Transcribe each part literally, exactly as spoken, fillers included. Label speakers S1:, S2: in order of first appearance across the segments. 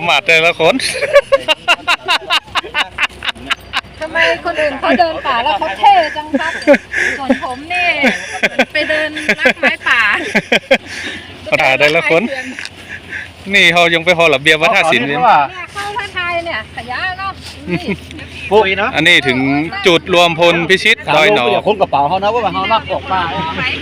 S1: มาแต่ละคน
S2: ทำไมคนอื่นเขาเดินป่าแล้วเขาเท่จังครับส่วนผมนี่ไปเดินรักไม้ป่า
S1: ป่าแต่ละคนนี่เขายังไปหอระเบียบวัฒนศิลป์เนี่ย
S2: เข้าท่าไทยเนี่ยขยะเนาะ
S3: ปุยเนาะ
S1: อันนี้ถึงจุดรวมพลพิชิตดอยหนอ
S3: คนกระเป๋าเขานะว่าเขานักออกป่า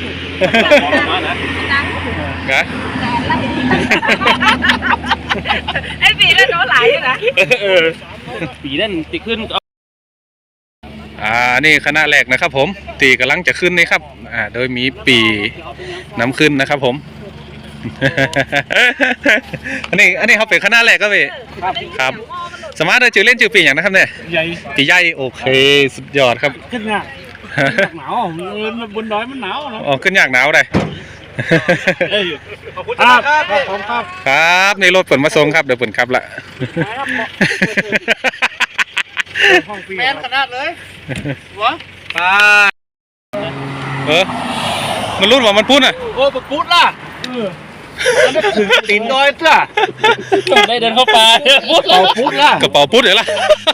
S2: ไอ้ปีนั่นโน้ไหลนะ
S3: ปีนั่นติขึ้น
S1: อ่านี่คณะแรกนะครับผมตีกำลังจะขึ้นนี่ครับอ่าโดยมีปีน้ำขึ้นนะครับผมอันนี้อันนี้เขาเป็นคณะแรกก็พี่ครับสมาร์ทได้จือเล่นจือปีอย่างนะครับเนี่ย
S3: ใหญ่
S1: ปีใหญ่โอเคสุดยอดครับ
S3: ขึ้นหนักหนาวบนดอยมันหนาวนะ
S1: อ๋อขึ้นยากหนาวเลย
S3: ขอบคุณครับขอบคุณครับ
S1: ครับในรถเปิดมาส่งครับเดี๋ยวเปิดครับละ
S3: แมนขนาดเลยวะปลา
S1: เออมันรุ่นว่ามันพูดอ่ะ
S3: โอ้ปพูดล่ะถึงตีนดอยเถอะได้เดินเข้าป่าพูดล่ะพูดล่ะ
S1: กระเป๋าพูดเดี๋ยวล่ะ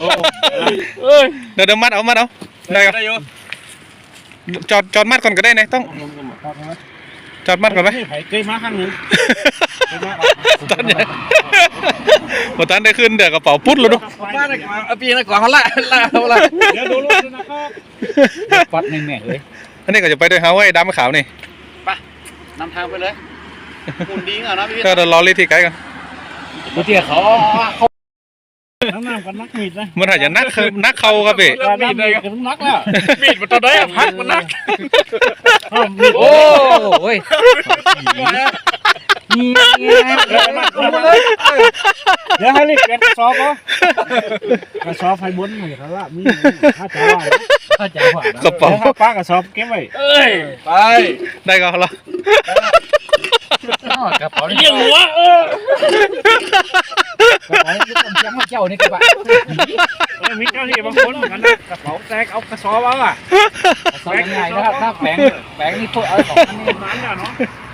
S1: เดี๋ยวเดี๋ยวมัดเอามัดเอาได้ครับจอดจอดมัดก่อนก็ได้นะต้องจอดมัดก่อนไหม
S3: เคยมาครั้งหนึ่ง
S1: ตอนนี้พอตอนได้ขึ้นเดี๋ยวกระเป๋าพุดเลยดู
S3: มาเลยเอาปีนก่อนเขาละละเขาละเดี๋ยวดูรูปนะครับปัดแม่งเลย
S1: อันนี้ก็จะไปด้วยเฮาไอ้ดำขาวนี่
S3: ไปนำทางไปเลยหุ่นดีอ่ะนะพี่
S1: ก็เดี๋ยวรอรีที่ไกลกัน
S3: ดูเตี้ยเขาน้ำน้ำกันนักมีดนะ
S1: มันอาจจะนักนักเขาครับพี่
S3: มีดเลยกันนักแล้วมีดมันตัวไหนอะพักมันนักโอ้โหเดี๋ยวให้รีบเปลี่ยนกระสอบป่ะกระสอบไฟบนหน่อยครับละมีถ้าจะว่าถ้าจะว่ากระเป๋าป้ากระสอบเก็บไว้เอ้ยไป
S1: ได้ก็แล้ว
S3: กระเป๋าเลี้ยงหัวเออกระเป๋ายังไม่เจ้านี่กระเป๋าเอ้ยมีเจ้าที่บางคนเหมือนกันนะกระเป๋าแตกเอากระสอบเอาอ่ะกระสอบง่ายนะครับถ้าแบงแบงนี่พวกเอาของนี่มันน่ะเนาะ